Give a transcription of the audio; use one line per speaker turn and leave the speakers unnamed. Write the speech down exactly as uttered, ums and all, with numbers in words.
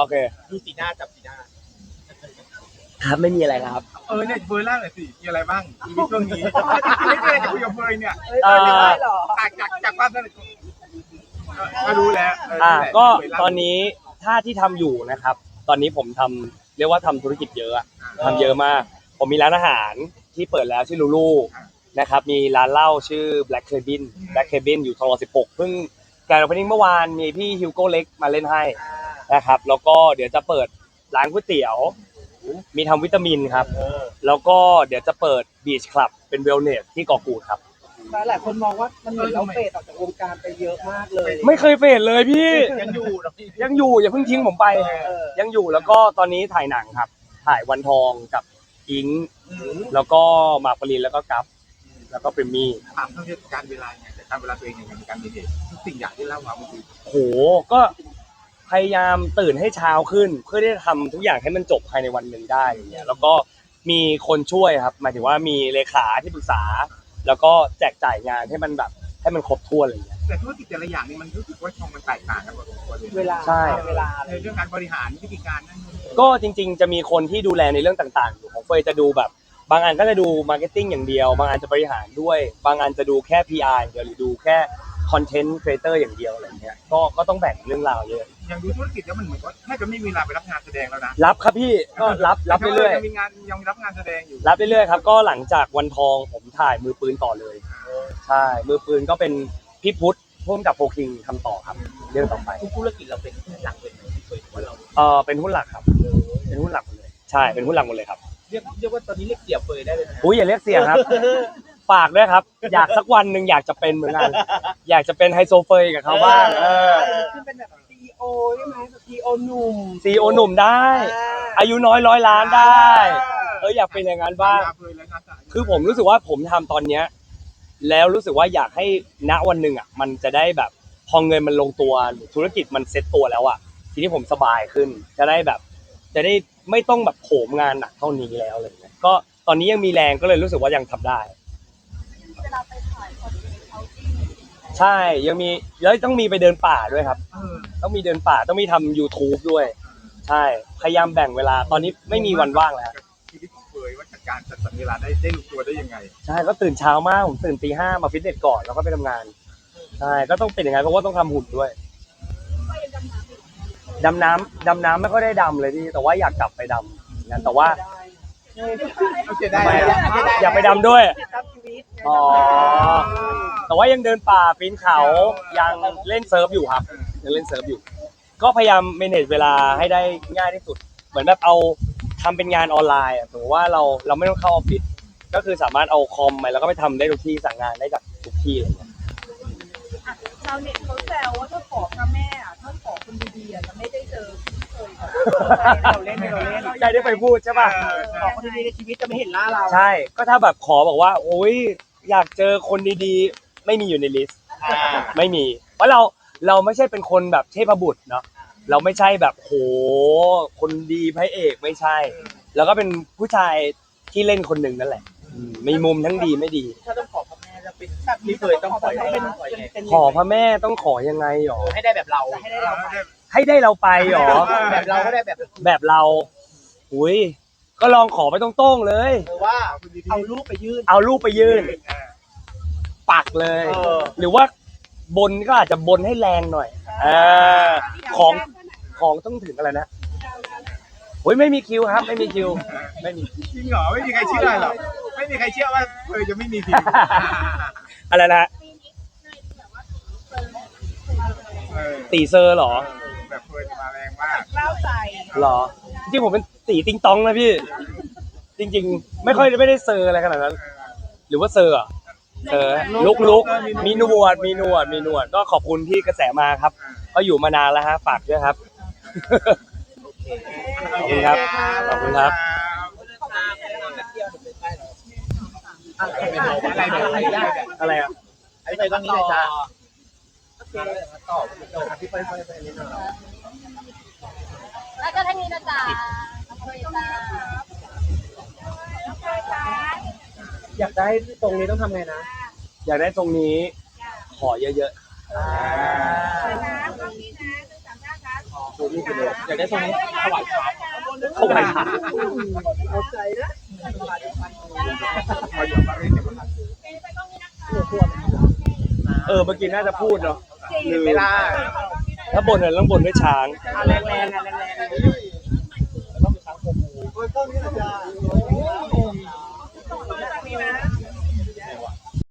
อเค
ดูสีหน้าจับสีหน้า
ครับไม่มีอะไรครับ
เออเนี่ยเฟยล่าหน่อยสิมีอะไรบ้างชีวิตช่วงนี้ไม่ได้คุยกับเฟยเนี่ยจากจากจากความสนิทก็รู้แล้ว
อ่าก็ตอนนี้ถ้าที่ทำอยู่นะครับ ตอนนี้ผมทำเรียกว่าทำธุรกิจเยอะทำเยอะมากผมมีร้านอาหารที่เปิดแล้วชื่อลูลูนะครับมีร้านเหล้าชื่อ Black Cabin Black Cabin อยู่ทองหล่อสิบหกเพิ่งแกรนด์โอเพนนิ่งเมื่อวานมีพี่ฮิวโก้เล็กมาเล่นให้นะครับแล้วก็เดี๋ยวจะเปิดร้านก๋วยเตี๋ยวมีทำวิตามินครับแล้วก็เดี๋ยวจะเปิดบีชคลับเป็นเวลเนสที่เกาะกูดครับ
หลายคนมองว่ามันเหมือนเราเฟดออกจากวงการไปเยอะมากเลย
ไม่เคยเฟดเลยพี่
ยังอยู่หรอพี่
ยังอยู่อย่าเพิ่งทิ้งผมไปยังอยู่แล้วก็ตอนนี้ถ่ายหนังครับถ่ายวันทองกับอิงแล้วก็หมากปรินแล้วก็กัฟแล้วก็ปริมมี่
ถามเรื่องการเวลาไงแต่การเวลาตัวเองอย่างการมีเหตุทุกสิ่งอย่างที่เล่ามาเมื่อกี้
โหก็พยายามตื่นให้เช้าขึ้นเพื่อที่จะทำทุกอย่างให้มันจบภายในวันหนึ่งได้อย่างเงี้ยแล้วก็มีคนช่วยครับหมายถึงว่ามีเลขาที่ปรึกษาแล้วก็แจกจ่ายงานให้มันแบบให้มันครบถ้วนอะไรอย่างเงี้ย
แต่ธุรกิจแต่ละอย่างนี่มันรู้สึกว่าช่องมันแตกต่างกันหมด
เวลา
ใช่
เวลา
ในเรื่องการบริหารวิธีการนั่น
ก็จริงๆจะมีคนที่ดูแลในเรื่องต่างๆอยู่ของเฟยจะดูแบบบางอันก็จะดูมาร์เก็ตติ้งอย่างเดียวบางอันจะบริหารด้วยบางอันจะดูแค่ พี อาร์ อย่างเดียวหรือดูแค่คอนเทนต์ครีเอเตอร์อย่างเดียวอะไรเงี้ยก็ก็ต้องแบ่งเรื่องราวเยอะ
อย่างดูธุรกิจแล้วมันเหมือนว่าแทบจะไม่มีเวลาไปรับงานแสดงแล้วนะ
รับครับพี่ก็รับรับเรื่อย
ๆมีงานยังรับงานแสดงอยู่
รับเรื่อยๆครับก็หลังจากวันทองผมถ่ายมือปืนต่อเลยใช่มือปืนก็เป็นพี่พุทธร่วมกับโฟคิงทำต่อครับเรื่องต่อไป
ธุรกิจเราเป็นหลักเป็นเคยว่าเรา
เออเป็นหุ้นหลักครับเป็นหุ้นหลักหมดเลยใช่เป็นหุ้นหลักหมดเลยครับ
เรียกเรียกว่าตอนนี้เรียกเสี่ยเฟยได้เลยนะ
อุ้ยอย่าเรียกเสี่ยครับฝากด้วยครับอยากสักวันหนึ่งอยากจะเป็นเหมือนกันอยากจะเป็นไฮโซเฟยกับเขาบ้างเออ
ขึ้นเป็นแบบซีอีโอใช่ไหมซีอีโอหนุ่ม
ซีอีโอหนุ่มได้อายุน้อยร้อยล้านได้เอออยากเป็นอย่างนั้นบ้างคือผมรู้สึกว่าผมทำตอนเนี้ยแล้วรู้สึกว่าอยากให้ณวันหนึ่งอ่ะมันจะได้แบบพอเงินมันลงตัวหรือธุรกิจมันเซ็ตตัวแล้วอ่ะทีนี้ผมสบายขึ้นจะได้แบบจะได้ไม่ต้องแบบโหมงานหนักเท่านี้แล้วอะไรเงี้ยก็ตอนนี้ยังมีแรงก็เลยรู้สึกว่ายังทำได้
เวลาไปถ่ายคอนเทนต์เอาจริง
ใช่ยังมีแล้วต้องมีไปเดินป่าด้วยครับต้องมีเดินป่าต้องมีทำ YouTube ด้วยใช่พยายามแบ่งเวลาตอนนี้ไม่มีวันว่างแล้ว
ชีวิตของเฟยว่าจัดการจัดสรรเวลาได้ได้ลงตัวได้ยังไง
ใช่ก็ตื่นเช้ามากผมตื่นตีห้ามาฟิตเนสก่อนแล้วก็ไปทำงานใช่ก็ต้องเป็นอย่างไงเพราะว่าต้องทำหุ่นด้วยดำน้ำดำน้ำไม่ค่อยได้ดำเลยพี่แต่ว่าอยากกลับไปดำงั้นแต่ว่าอยากไปดำด้วยอ๋อแต่ว่ายังเดินป่าปีนเขายังเล่นเซิร์ฟอยู่ครับยังเล่นเซิร์ฟอยู่ก็พยายามเมเนจเวลาให้ได้ง่ายที่สุดเหมือนแบบเอาทำเป็นงานออนไลน์สมมติว่าเราเราไม่ต้องเข้าออฟฟิศก็คือสามารถเอาคอมไปแล้วก็ไปทำได้ทุกที่สั่งงานได้จากทุกที่อะไรเงี้ย
ชาวเน็ตเขาแซวว่าถ้าขอพระแม่อ่ะถ้าขอคนดีๆอ่ะจะไม่ได้เจอเคย
เราเล่นเราเล่น
ใช่ได้ไปพูดใช่ป่ะ
ขอคนดีๆในชีวิตจะไม่เห็นหน้าเรา
ใช่ก็ถ้าแบบขอบอกว่าโอ๊ยอยากเจอคนดีๆไม่มีอยู่ในลิสต์ไม่มีเพราะเราเราไม่ใช่เป็นคนแบบเทพบุตรเนาะเราไม่ใช่แบบโหคนดีพระเอกไม่ใช่แล้วก็เป็นผู้ชายที่เล่นคนหนึ่งนั่นแหละมีมุมทั้งดีไม่ดี
ถ้าต้องขอพระแม่จะเป็นแบบนี้เคยต้องขอ
ขอพระแม่ต้องขอยังไงหรอ
ให้ได้แบบเรา
ให้ได้เรา
ให้ได้เราไปหรอ
แบบเราก็ได้แบบ
แบบเราอุ้ยก็ลองขอไปตรงๆเลย
ว่า
เอารูปไปยื่น
เอารูปไปยื่นปักเลยหรือว่าบนก็อาจจะบนให้แรงหน่อยเออของของต้องถึงอะไรนะโอ้ยไม่มีคิวครับไม่มีคิวไม่มี
จริงเหรอไม่มีใครเชื่อหรอไม่มีใครเชื่อว่าเฟยจะไม่มีคิว
อะไรนะตีเซอร์หรอ
แบบเฟยมาแรงมาก
เล่าใจ
หรอจริงผมเป็นตีติงตองนะพี่จริงๆไม่ค่อยไม่ได้เซอร์อะไรขนาดนั้นหรือว่าเซอร์เซอร์ลุกลุกมีหนวดมีหนวดมีหนวดก็ขอบคุณที่กระแสมาครับก็อยู่มานานแล้วฮะฝากด้วยครับขอบคุณครับขอบคุณครับอะไรอ่ะ
ไอ้ไปตรงนี้เลยจ้า
ต่อพี่ไปไปไปนี่หน่อยแล้วก็ท่านนี้นะจ๊ะ
อยากได้ตรงนี้ต้องทำไงนะ
อยากได้ตรงนี้ขอเยอะๆ
นะก็มีนะต้องสามารถครับ
อยากได้ทรงนี้ถวายพระ
เข้าไปค่ะ
เอาใจนะ
มาอยู่มาเรียนเดี๋ยวมัน
เออเมื่อกี้น่าจะพูดเนาะลืม
เวลา
ถ้าบนเนี่ยต้องบนด้วยช้าง
แรงแรงแรงแรงแล้วก็มีช้างโคบูโอ้ยต้นนี้แหละจ้า